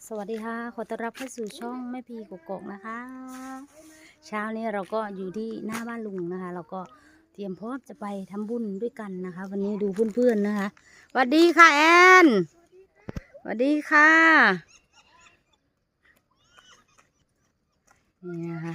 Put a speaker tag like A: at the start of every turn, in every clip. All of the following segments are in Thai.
A: สวัสดีค่ะขอต้อนรับเข้าสู่ช่องแม่พีกกอกนะคะเช้านี้เราก็อยู่ที่หน้าบ้านลุงนะคะเราก็เตรียมพร้อมจะไปทำบุญด้วยกันนะคะ วันนี้ดูเพื่อนๆนะคะสวัสดีค่ะแอนสวัสดีค่ะนี่นะคะ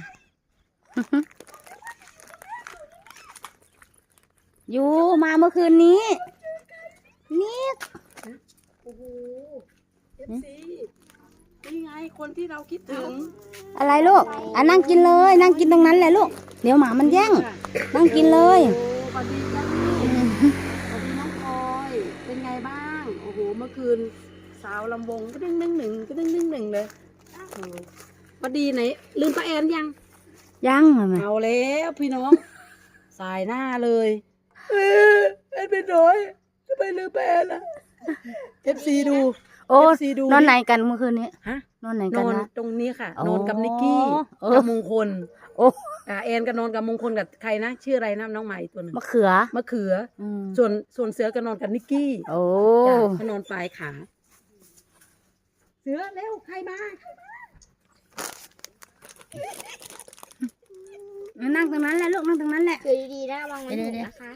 A: อยู่มาเมื่อคืนนี้นี่
B: โอ้โหFC นี่ไงคนที่เราคิดถึง
A: อะไรลูกนั่งกินเลยนั่งกินตรงนั้นแหละลูกเดี๋ยวหมามันแย่งนั่งกินเลย
B: โอ้สวัสดีจ้าสวัสดีน้องพลอยเป็นไงบ้างโอ้โหเมื่อคืนสาวลำวงก็ดึงหนึ่งเลยโอ้สวัสดีไหนลืมป้าแอนยัง
A: ยังไหม
B: เอาแล้วพี่น้อง สายหน้าเลยแอนเป็นน้อยทำไมลืมป้าแอนล่ะ FC ดู
A: โอ้
B: FC ดู
A: นอนไหนกันเมื่อคืนนี้
B: ฮะ
A: นอนไหน
B: น
A: กัน
B: อน
A: นะ
B: ตรงนี้ค่ะ
A: อ๋อ
B: นอนกับนิกกี้
A: เออ
B: กับมงคล
A: โอ้
B: แอนก็นอนกับมงคลกับใครนะชื่ออะไรนะน้องใหม่ตัวหนึ่ง
A: มะเขือ
B: มะเขือ
A: อืม
B: ส่วนเสือก็นอนกับนิกกี้
A: โอ้
B: จ้ะเขานอนปลายขาเสือเร็วใครมา
A: นั่งตรงนั้นแหละลูกนั่งตรงนั้นแหละ
C: คือดีๆนะวางไว้ห
A: เดี๋
C: นู
A: ยวๆ
C: นะคะ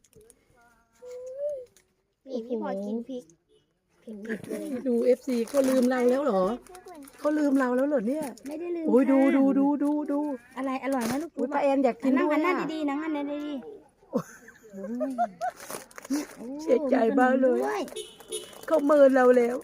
C: นี่พี่พลอยกินพริก
B: ดูFC เขาลืมเราแล้วเหรอเขาลืมเราแล้วเหรอเนี่ย
A: ไม่ได้ลืม
B: โอ้ยดู
A: ค่ะ
B: ดู
A: อะไรอร่อยไหมลูก
B: อุ้ยป้าแอนอยากกิน
A: นั่ง
B: ด้ว
A: กั
B: ย
A: นหน้า
B: อะ
A: ดีๆนั่งกันหน้าดีๆ
B: เสียใจมากเลย
A: ด้วย
B: เขาเมินเราแล้ว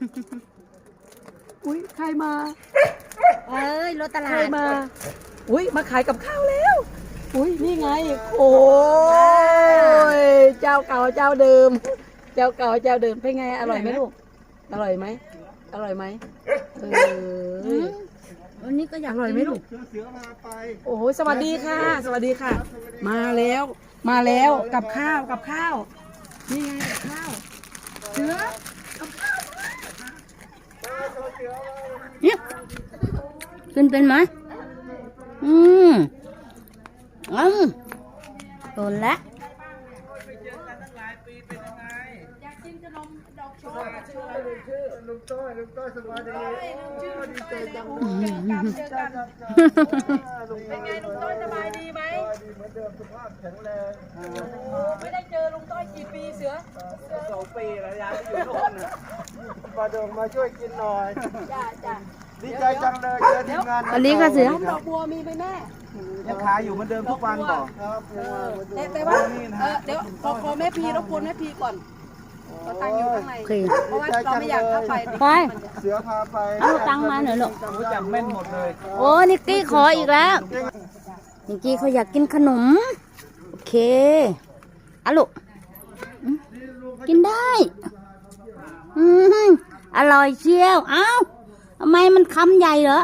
B: อุ้ยใครมา
A: เอ้ยรถตลา
B: ใคร
A: ด
B: มาอุ้ยมาขายกับข้าวแล้วอุ้ยนี่ไงโอ้ยเจ้าเก่าเจ้าเดิม เจ้าเก่าเจ้าเดิมเป็นไงอร่อยไหมลูกอร่อยไหมอร่อยไหม
A: วันนี้ก็อยาก
B: อร่อยไหมลูก
D: เสือมาไป
B: โอ้โหสวัสดีค่ะ สวัสดีค่ะ มาแล้วกับข้าวนี่ไงกับข้าวเสือ
A: เนี่ยขึ้นเป็นไหมโดนละ
D: ลุงต้อยสบายดีดีใจจังเลยลุง
B: เป็นไงลุงต้อยสบายดีไหม
D: ดีเหมือนเดิมสุขภาพแข็งแรง
B: ไม่ได้เจอลุงต้อยกี่ปีเสือ
D: 2 ปีแล้วยายอยู่โน่นน่ะมาเดินมาช่วยกินหน่อย
B: จ้า
D: ดีใจจังเลยเจอทีมงาน
A: วันนี้ก็เสือ
B: ดอกบัวมีไหมแม่
D: ยังขายอยู่เหมือนเดิมทุกวันบอกครับ
B: แต่ว่าเดี๋ยวขอแม่พีรบกวนแม่พีก่อนเราตั้งอยู่ข้างใน
A: โอเค
B: เพราะว่าเราไม่อยากเข้าไป
A: ไป
D: เสือพาไป
A: เอาตังค์มาหน่อยลูก
D: รู้จักแม่นหมดเลย
A: โอ้นิกกี้ขออีกแล้วนิกกี้เขาอยากกินขนมโอเคเอาลูกกินได้อร่อยเชียวเอ้าทำไมมันคำใหญ่เหรอ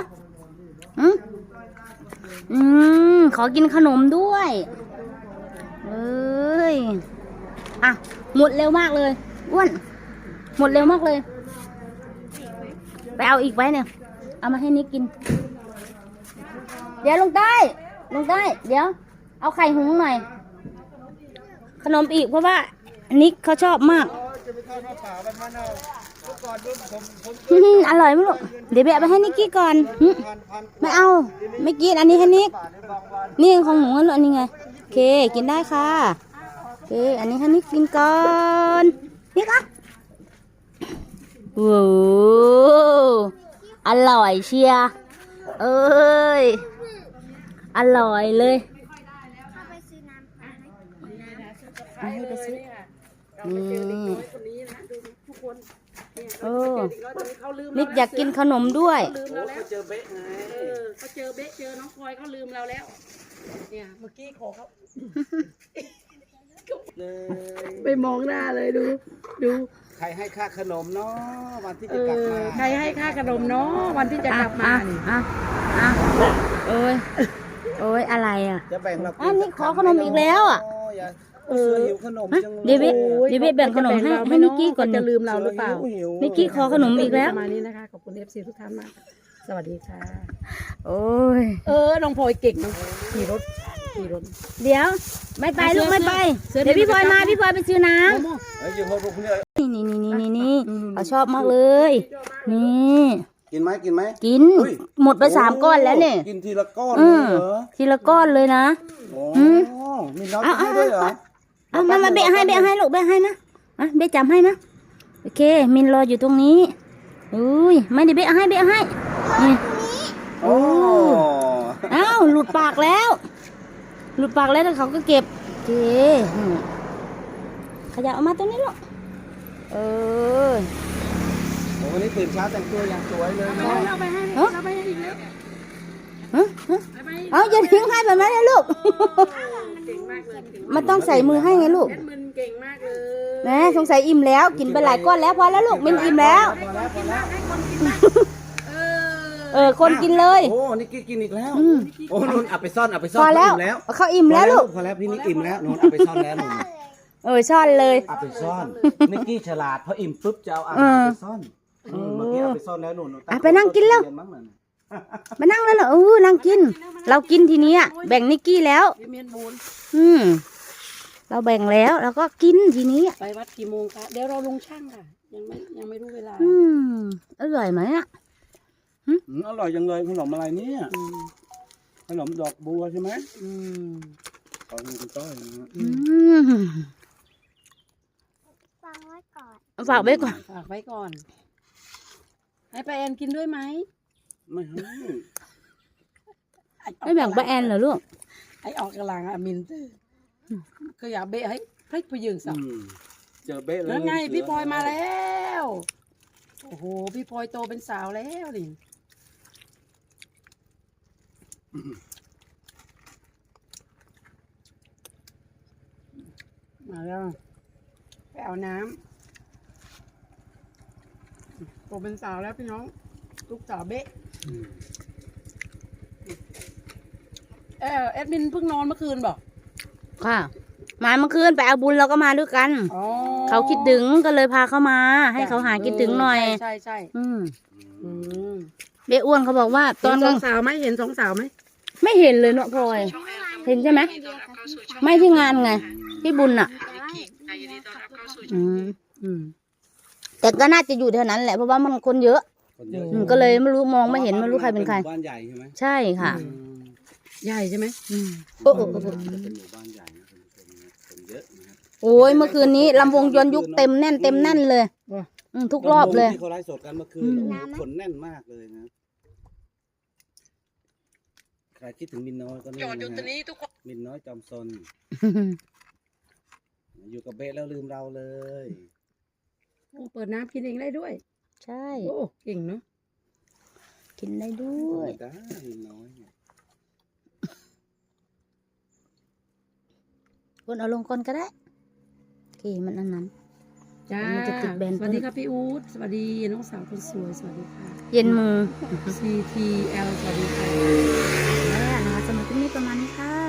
A: ขอกินขนมด้วยเอ้ยอ่ะหมดเร็วมากเลยอ้วนหมดเร็วมากเลยไปเอาอีกไว้เนี่ยเอามาให้นิกกินเดี๋ยวลงใต้เดี๋ยวเอาไข่หุงหน่อยขนมอีกเพราะว่านิกเขาชอบมาก
D: จะไปทอดผ้าป่าวันนั้นเอาเมื่อก่อนผม
A: อร่อยไหมลูกเดี๋ยวไปเอาไปให้นิกกี้ก่อนไม่เอาไม่กินอันนี้ให้นิกนี่ของหนูอันนี้ไงโอเคกินได้ค่ะโอเคอันนี้ให้นิกกินก่อนนิกอ่ะโว้อร่อยเชียร์เอ้ยอร่อยเลยให้ไปซื้อนี่โอ้นิกอยากกินขนมด้วย
B: ลืมเราแล้วเจอเบ๊ะไงเขาเจอเบ๊ะเจอน้องพลอยเขาลืมเราแล้วเนี่ยเมื่อกี้ขอเขาไปมองหน้าเลยดู
D: ใครให้ค่าขนมเนาะวันที่จะกลับมา
B: ใครให้ค่าขนมเนาะวันที่จะกลับมานี่
A: โอ้ยอะไรอ่ะ
D: จะแบ่งเรา
A: อันนี้ขอขนมอีกแล้วอ่ะ
D: หิวขนมจังเลย
A: เดี๋ยวแบ่งขนมให้นิกกี้ก่อน
B: จะลืมเราหรือเปล่า
A: นิกกี้ขอขนมอีกแล้ว
B: ประมาณนี้นะคะขอบคุณ FC ทุกท่านมากสวัสดีค่ะ
A: โอ้ย
B: น้องพลอยเก่งน้องขี่รถ
A: เดี๋ยวไม่ไปลูกไม่ไปเดี๋ยวพี่พลอยมาพี่พลอยไปซื้อน้ำ
D: อยู่พอพวกนี้
A: นี่เขาชอบมากเลยนี่
D: กินไหมกินไหม
A: กิน
D: เฮ้ย
A: หมดไป3 ก้อนแล้วเนี่ย
D: กินทีละก้อน
A: อื
D: เลย
A: ม
D: เหรอ
A: ทีละก้อนเลยนะ
D: โอ้
A: อืม
D: มีน้อยกินด้วยเหรอ
A: เอามาเบะให้ลูกเบะให้นะเบะจำให้นะโอเคมินรออยู่ตรงนี้อุ้ยไม่ได้เบะให้นี่
D: โอ้
A: อ้าวหลุดปากแล้วแล้วเขาก็เก็บโอเคขยับออกมาตรงนี้ลูก
D: โหวันนี้ตื่นเช้าแต่งตัวอย่างสวยเลยเนาะ
A: เอาอย่าทิ้งให้แบบนั้นนะลูกมันต้องใส่มือให้ไงลูก
B: มันเก่งมากเลย
A: แหมสงสัยอิ่มแล้วกินไปหลายก้อนแล้วพอแล้วลูกมินอิ่มแล้ว
D: พอแล้วพอแล้ว
A: คนกินเลย
D: โอ้นี่กินอีกแล้ว
A: อืม
D: โอ้นุ่นเอาไปซ่อน
A: พอแล้ว
D: อิ่มแล้ว
A: เขาอิ่มแล้วลูก
D: พอแล้วพี่นิกอิ่มแล้วนุ่นเอาไปซ่อนแล้วนุ่น
A: ซ่อนเลย
D: เอาไปซ่อนนิกกี้ฉลาดพออิ่มปุ๊บจะเอาอา
A: เอ
D: หาร
A: อ
D: ไปซ่อนเมื่อกี้เอาไปซ่อนแล้วนุ่น
A: ไปนั่งกินแล้ว
D: มั้งนั่น
A: มานั่งแล้วเหรอนั่งกิน เรากินทีนี้อะแบ่งนิกกี้แล้ว
B: พี่เมียนบูน
A: เราแบ่งแล้วเราก็กินทีนี้อะ
B: ไปวัดกี่โมงคะเดี๋ยวเราลงช่างค่ะ ยังไม่รู้เวลา
A: อร่อยไหมอ่ะ
D: อร่อยจังเลยขนมอะไรเนี่ยขนมดอกบัวใช่ไหม
B: อืม
D: ขอคุณต้อยนะฮะ
C: ฟังไว้ก่อน
A: ฝากไว้ก่อน
B: ฝากไว้ก่อน ให้ป้าแอนกินด้วยไหม
D: ไม่ให้
A: ไม่แบ่งป้าแอนเหรอลูก
B: ไอออกกำลังอะมินตื้อก็อยากเบะให้พลิกไปยืนสับ
D: เจอเบ๊ะเลย
B: แล้วไงพี่พลอยมาแล้วโอ้โหพี่พลอยโตเป็นสาวแล้วนี่มาแล้วไปเอาน้ำโตเป็นสาวแล้วพี่น้องลูกสาวเบ๊ะแอดมินเพิ่งนอนเมื่อคืนบอก
A: ค่ะ มาเมื่อคืนไปเอาบุญเราก็มาด้วยกัน
B: อ๋อ
A: เขาคิดถึงก็เลยพาเขามา ให้เขาหาคิดถึงหน่อย
B: ใช่ใช่
A: อืม
B: อืม
A: เบ๊อ้วนเขาบอกว่าต
B: ต
A: อ
B: อน น
A: ก
B: ส
A: ลา
B: อง งสาวไหมเห็นสองสาวไหม
A: ไม่เห็นเลยเนาะพลอย เห็นใช่ไหมไม่ที่งานไงที่บุญอ่ะอืมแต่ก็น่าจะอยู่แถวนั้นแหละเพราะว่ามันคนเยอะ
D: คนเยอะ
A: ก็เลยไม่รู้มองไม่เห็นไม่รู้ใครเป็นใคร
D: บ้านใหญ่ใช่ไหม
A: ใช่ค่ะ
B: ใหญ่ใช่ไหม
A: โอ้
D: เป็นหมู่บ้านใหญ่นะคนเยอะนะครับ
A: โอ้ยเมื่อคืนนี้ลำวงย้อนยุคเต็มแน่นเลยทุกรอบเลย
D: ที่เขาไลฟ์สดกันเมื่อคืนคนแน่นมากเลยนะใครคิดถึงมินน้อยก็นี่นะฮะมินน้อยจอมซนอยู่กับเบ๊ะแล้วลืมเราเลย
B: โอ้เปิดน้ำกินเองได้ด้วย
A: ใช่
B: โอ้เก่งเนาะ
A: กินได้ด้วย
D: ได้มินน้อยเนี่ย
A: คนเอาลงก่อนก็ได้โอเคมันอันนั้น
B: จ้า
A: มันจะติดแบน
B: สวัสดีค่ะพี่อู๊ดสวัสดีน้องสาวคนสวยสวัสดีค่ะ
A: เย็นมือ
B: CTL สวัสดีค่ะ
A: แล้วนะคะสำหรับคลิปนี้ประมาณนี้ค่ะ